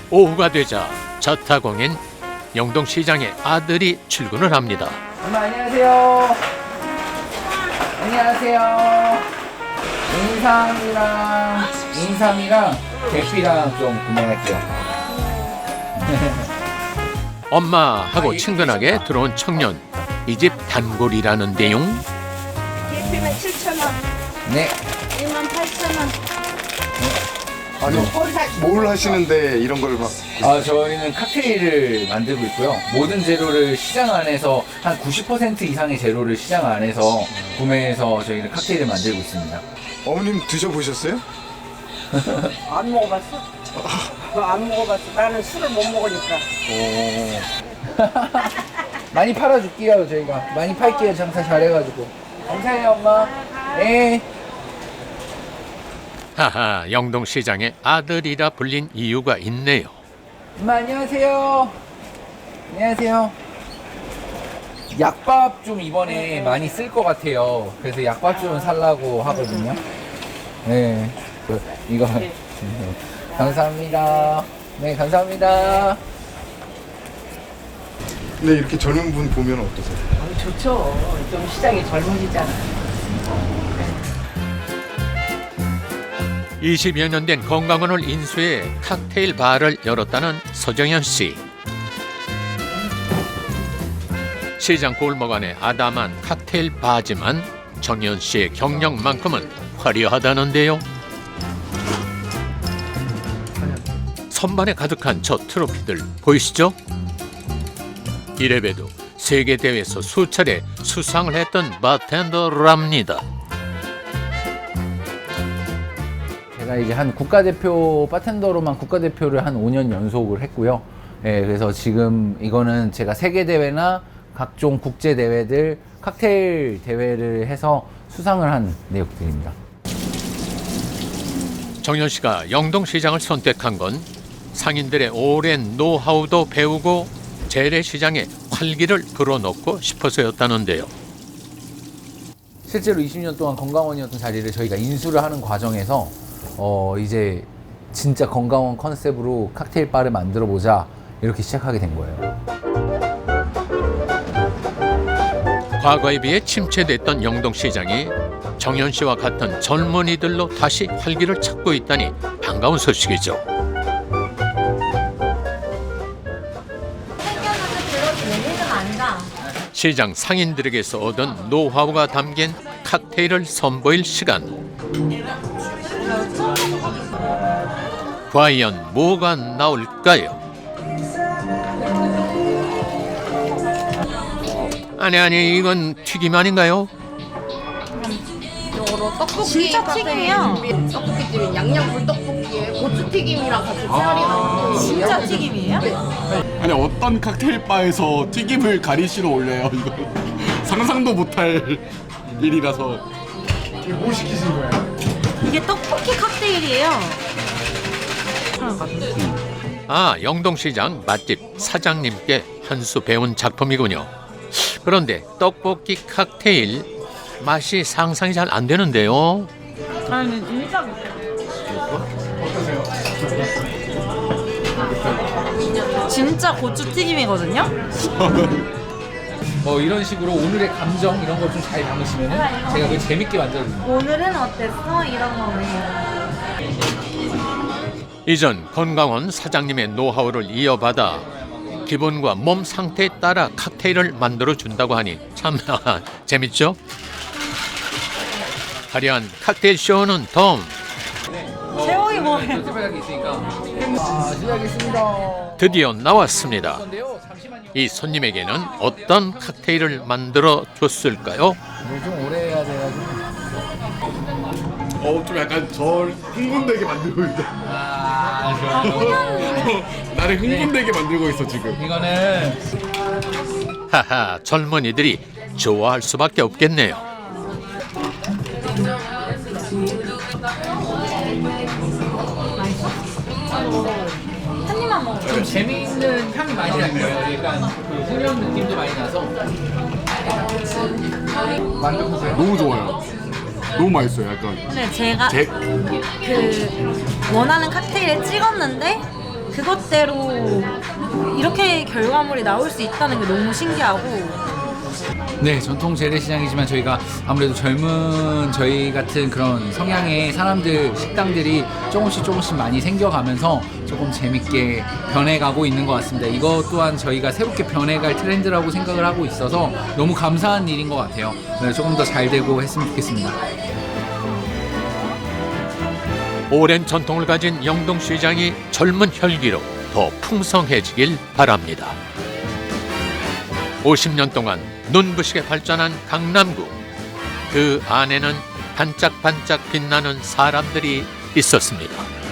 오후가 되자 자타공인 영동시장의 아들이 출근을 합니다. 엄마 안녕하세요. 안녕하세요. 인삼이랑 계피랑 좀 구매할게요. 엄마하고 친근하게 들어온 청년. 이 집 단골이라는데요. 계피는 7,000원, 네. 18,000원. 아니 뭘 하시는데 이런 걸 막 저희는 칵테일을 만들고 있고요. 모든 재료를 시장 안에서 한 90% 이상의 재료를 시장 안에서 구매해서 저희는 칵테일을 만들고 있습니다. 어머님 드셔보셨어요? 안 먹어봤어? 그거 안 먹어봤어. 나는 술을 못 먹으니까. 많이 팔아줄게요. 저희가 많이 팔게요. 장사 잘해가지고. 감사해요 엄마. 네. 하하, 영동시장의 아들이라 불린 이유가 있네요. 엄마 안녕하세요. 안녕하세요. 약밥 좀 이번에 많이 쓸 것 같아요. 그래서 약밥 좀 살라고 하거든요. 네. 이거 감사합니다. 네, 감사합니다. 근데 이렇게 젊은 분 보면 어떠세요? 좋죠. 좀 시장이 젊어지잖아. 20여 년 된 건강원을 인수해 칵테일 바를 열었다는 서정현 씨. 시장 골목 안에 아담한 칵테일 바지만 정현 씨의 경력만큼은 화려하다는데요. 선반에 가득한 저 트로피들 보이시죠? 이래봬도 세계대회에서 수차례 수상을 했던 바텐더랍니다. 제가 이제 한 국가대표 바텐더로만 국가대표를 한 5년 연속을 했고요. 예, 그래서 지금 이거는 제가 세계대회나 각종 국제대회들 칵테일 대회를 해서 수상을 한 내역들입니다. 정현 씨가 영동시장을 선택한 건 상인들의 오랜 노하우도 배우고 재래시장에 활기를 불어넣고 싶어서였다는데요. 실제로 20년 동안 건강원이었던 자리를 저희가 인수를 하는 과정에서 이제 진짜 건강원 컨셉으로 칵테일 바를 만들어 보자 이렇게 시작하게 된 거예요. 과거에 비해 침체됐던 영동시장이 정현 씨와 같은 젊은이들로 다시 활기를 찾고 있다니 반가운 소식이죠. 시장 상인들에게서 얻은 노하우가 담긴 칵테일을 선보일 시간. 과연 뭐가 나올까요? 아니 이건 튀김 아닌가요? 떡볶이 진짜 튀김이야. 떡볶이집인 양양 불떡볶이에 고추튀김이랑 같이 차리는 진짜 튀김이에요? 아니 어떤 칵테일 바에서 튀김을 가리시러 올려요 이거 상상도 못할 일이라서. 뭐 시키신 거예요? 이게 떡볶이 칵테일이에요. 아, 영동시장 맛집 사장님께 한 수 배운 작품이군요. 그런데 떡볶이 칵테일 맛이 상상이 잘 안 되는데요. 아니 진짜 진짜 고추 튀김이거든요. 이런 식으로 오늘의 감정 이런 걸 좀 잘 담으시면 제가 그걸 재밌게 만들어드립니다. 오늘은 어땠어? 이런 거네. 이전 건강원 사장님의 노하우를 이어받아 기분과 몸 상태에 따라 칵테일을 만들어 준다고 하니 참 재밌죠? 화려한 칵테일 쇼는 덤. 제목이 뭐예요? 특별하게 있으니까. 시작하겠습니다. 드디어 나왔습니다. 근데요, 잠시만요. 이 손님에게는 어떤 칵테일을 만들어 줬을까요? 좀 오래 해야 돼가지고. 좀 약간 절 흥분되게 만들고 있어. 나를 흥분되게 만들고 있어 지금. 이거는 하하, 젊은이들이 좋아할 수밖에 없겠네요. 한 입만 먹어. 좀 재미있는 향이 많이 날 거예요. 약간 그 훈연 느낌도 많이 나서. 만들어보세요. 너무 좋아요. 너무 맛있어요. 약간 근데 제가 제 그 원하는 칵테일에 찍었는데 그것대로 이렇게 결과물이 나올 수 있다는 게 너무 신기하고 네, 전통 재래시장이지만 저희가 아무래도 젊은 저희 같은 그런 성향의 사람들, 식당들이 조금씩 많이 생겨가면서 조금 재밌게 변해가고 있는 것 같습니다. 이것 또한 저희가 새롭게 변해갈 트렌드라고 생각을 하고 있어서 너무 감사한 일인 것 같아요. 네, 조금 더 잘 되고 했으면 좋겠습니다. 오랜 전통을 가진 영동시장이 젊은 혈기로 더 풍성해지길 바랍니다. 50년 동안 눈부시게 발전한 강남구. 그 안에는 반짝반짝 빛나는 사람들이 있었습니다.